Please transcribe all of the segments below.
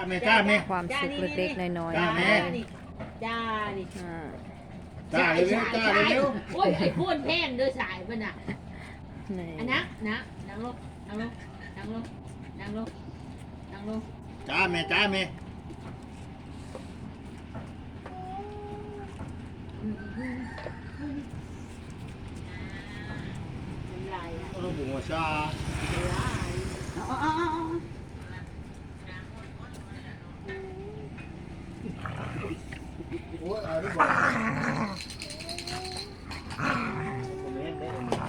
ความสุขเล็กๆน้อยๆจ้านะแม่คะจ้านี่อ่าจ้าเร็วๆจ้าเร็วโอ้ยไอ้พ่นแพงด้วยสายมันอ่ะนี่อันนะนั่งลงนั่งลงนั่งลงนั่งลงนั่งลงๆจ้าแม่จ้าแม่น้ำลายอ่ะลูกหัวชาน้ำลายเอาโอ้ยเอาดิบอกผมเห็นได้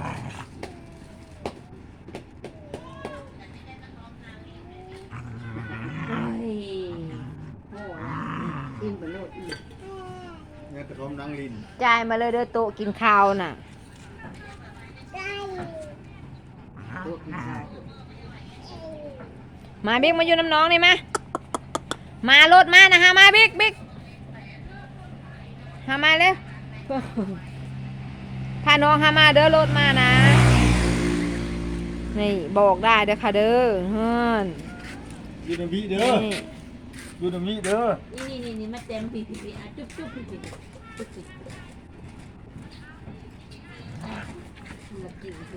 โอ้ยโอ้ยกินไปโลดอีกเนี่ยกระทอมนางลินจ่ายมาเลยเด้อโต๊ะกินข้าวน่ะตัวกินข้าวมาบิ๊กมาอยู่น้ำน้องนี่มารถมานะฮะมาบิ๊กหามาเร็วพาน้องหามาเด้อรถมานะนี่บอกได้เด้อค่ะเด้อเฮือนยูนามิเด้อนี่ยูนามิเด้อนี่มาเต็มปีอ่ะจุ๊บปีจุ๊บมากินหู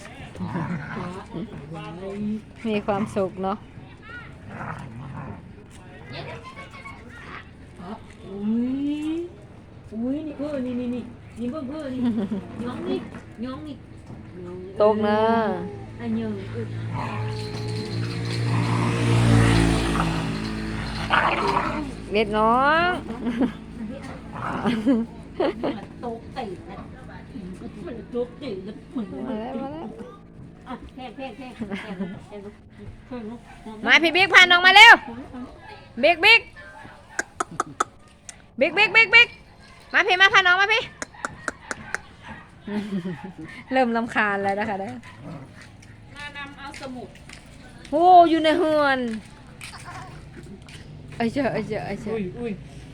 มีความสุขเนาะอุ้ยนี่เพื่อนี่เพื่อนี่ย้องนี่ตกเนอะอันยังอึดเล็ดน้องมันโต๊ะตีนะมันโต๊ะตีนะมันมาแล้วมาแล้วอ่ะแพงมาพี่บิ๊กพาน้องมาเร็วบิ๊กมาพี่มาพาน้องมาพี่ เริ่มรำคาญแล้วนะคะเด้อมานำเอาสมุดโอ้อยู่ในเฮือนไอ้เจ้าอุ้ย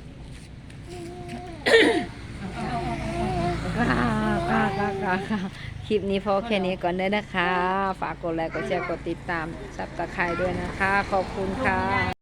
คลิปนี้พอแค่นี้ก่อนเด้อนะคะ ฝากกดไลค์กดแชร์กดติดตามซับตะไคร้ด้วยนะคะ ขอบคุณค่ะ